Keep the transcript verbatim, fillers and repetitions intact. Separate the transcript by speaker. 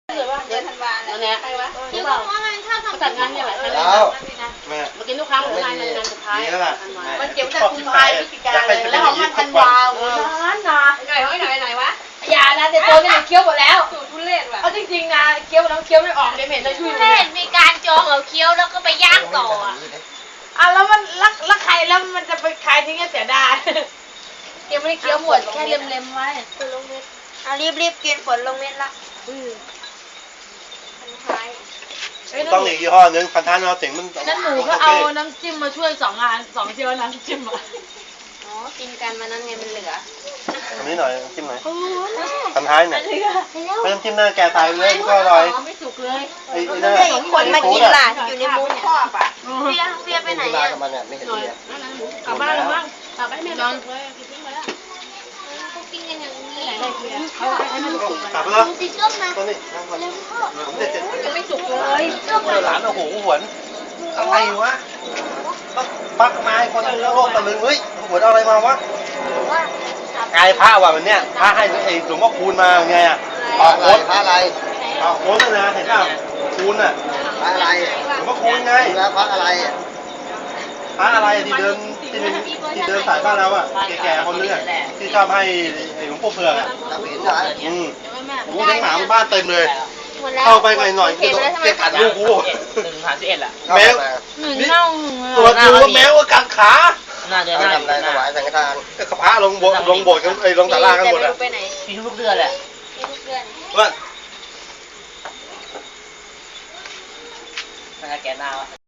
Speaker 1: เลยว่าเดือนธันวาเนี่ยใครวะคิวบอกว่ามันชอบทำจัดงานเนี่ยแหละแล้วแม่มากินทุกครั้งหรืองานงานสุดท้ายมันเจ็บแต่คุณพายพฤศจิกาเลยแล้วของมันธันวาล้านนะไก่เขาไหนไหนวะอย่านะเดี๋ยวตัวนี่เคี้ยวหมดแล้วสูตรทุเรศว่ะเอาจริงๆนะเคี้ยวแล้วเคี้ยวไม่ออกเดี๋ยวเหม็นเลยทุเรศมีการจองเอาเคี้ยวแล้วก็ไปย่างต่ออ่ะอ่ะแล้วมันรักรักใครแล้วมันจะไปใครทิ้งเสียดายเดี๋ยวไม่ได้เคี้ยวหมดแค่เล็มๆไว้ฝนลงเม็ดอ่ะรีบๆกินฝนลงเม็ดละ
Speaker 2: ต้องอีกยี่ห้อนึงพันธะนอสิงมัน
Speaker 1: นั่นหนูก็เอาน้ำจิ้มมาช่วยสองงานสองเที่ยวน้ำจิ้มอ่ะอ๋อกินกันมานั้นไงมันเหลือ
Speaker 2: อันนี้หน่อยจิ้มหน่อยพันท้ายเนี่ยไม่ต้องจิ้มหน้าแกตายเลยก็อร่อย
Speaker 1: ไม่สุกเลย
Speaker 2: ไอ้นี่
Speaker 1: คนมากินล่ะอยู่ในมุ้งชอบอ่ะเฟียเฟียไปไหนอ่ะกลับบ้านแล้วมั้งกลับไปไม่นอนเลยทิ้งไปแล้วเขากินกันอย่างนี้เขาให้มันสุก
Speaker 2: กลับไปแล้วตัวนี้
Speaker 1: ยังไม่สุกเลย
Speaker 2: หลานโอ้โหหวนอะไรวะปักไม้คนนึงแล้วโลกตะลึงเฮ้ยหวนอะไรมาวะกายพระว่ะมันเนี้ยพระให้ไอ้หลวงพ่อคูณมาไงอ่ะออกโค้ด
Speaker 3: พระอะไร
Speaker 2: ออกโค้ดนะเห็นป่ะคูณอ่ะ
Speaker 3: พระอะไร
Speaker 2: หลวงพ่อคูณไง
Speaker 3: แล้วพระอะไร
Speaker 2: พระอะไรที่เดินที่ที่เดินสายบ้านเราอ่ะแก่ๆคนนึงอ่ะที่ชอบให้ไอ้หลวงพ่อเผือกอ่ะอืมโอ้โหทั้งหมาบ้านเต็มเลยเข้าไปไงหน่อยเก็บขัดลูกกู
Speaker 4: หนึ่งผ่านสิบเอ็ดละ
Speaker 2: แมวนี่ตัวดูแมวกัดขา
Speaker 4: หน้าเดือนหน้า
Speaker 3: ทำอะไรถวายสังฆทาน
Speaker 2: ก็พระลงโบสถ์ลงโบสถ์กันไอ้ลงศาลากันหมดอ่ะ
Speaker 4: มีทุกเดือนแหละ
Speaker 1: มีทุกเดือน
Speaker 2: ว่า
Speaker 4: หน้าแกหน้า